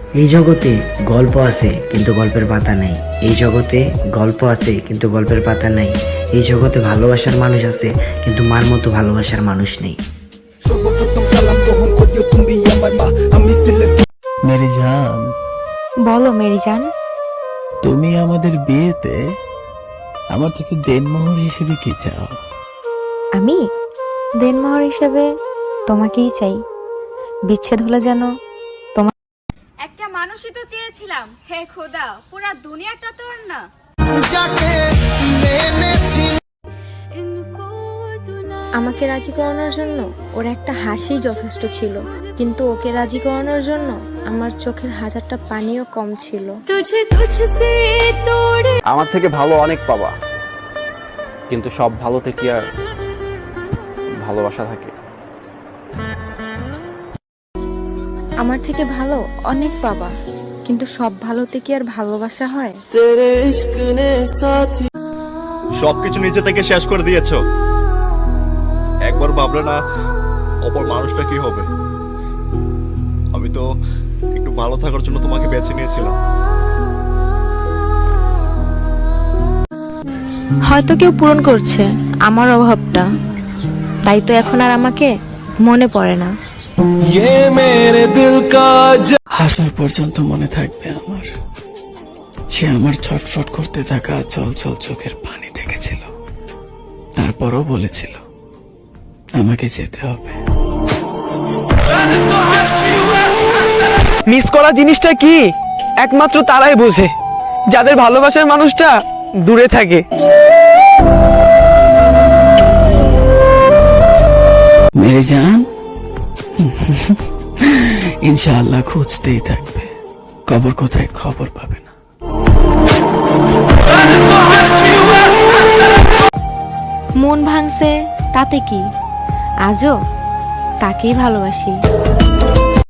এই জগতে গল্প আছে কিন্তু গল্পের পাতা নাই। এই জগতে গল্প আছে কিন্তু গল্পের পাতা নাই। এই জগতে ভালোবাসার মানুষ আছে কিন্তু মার মতো ভালোবাসার মানুষ নেই। মেরি জান, বলো মেরি জান। তুমি আমাদের বিয়েতে আমার থেকে দেনমোহর হিসেবে কি চাও? আমি দেনমোহর হিসেবে তোমাকেই চাই। বিচ্ছেদ হলে যেন একটা মানুষই তো চেয়েছিলাম, হে খোদা পুরা দুনিয়াটা তোর না। আমাকে রাজি করানোর জন্য ওর একটা হাসি যথেষ্ট ছিল, কিন্তু ওকে রাজি করানোর জন্য আমার চোখের হাজারটা পানিও কম ছিল। আমার থেকে ভালো অনেক পাবা, কিন্তু সব ভালোতে কি আর ভালোবাসা থাকে? আমার থেকে ভালো অনেক পাবা, কিন্তু সব ভালোতে কি আর ভালোবাসা হয়? সবকিছু নিজে থেকে শেষ করে দিয়েছো। একবার ভাবলে না অপর মানুষটা কি হবে? আমি তো একটু ভালো থাকার জন্য তোমাকে বেছে নিয়েছিলাম। হয়তো কেউ পূরণ করছে আমার অভাবটা, তাই তো এখন আর আমাকে মনে পড়ে না। হাসার পর্যন্ত মনে থাকবে আমার। সে আমার ছটফট করতে থাকা চলচল চোখের পানি দেখেছিল, তারপরও বলেছিল আমাকে যেতে হবে। মিস করা জিনিসটা কি একমাত্র তারাই বোঝে, যাদের ভালোবাসার মানুষটা দূরে থাকে। মেরে জান, ইনশাআল্লাহ খুঁজতেই থাকবে, কবর কোথায় খবর পাবে না। মন ভাঙছে তাতে কি, আজও তাকেই ভালোবাসি।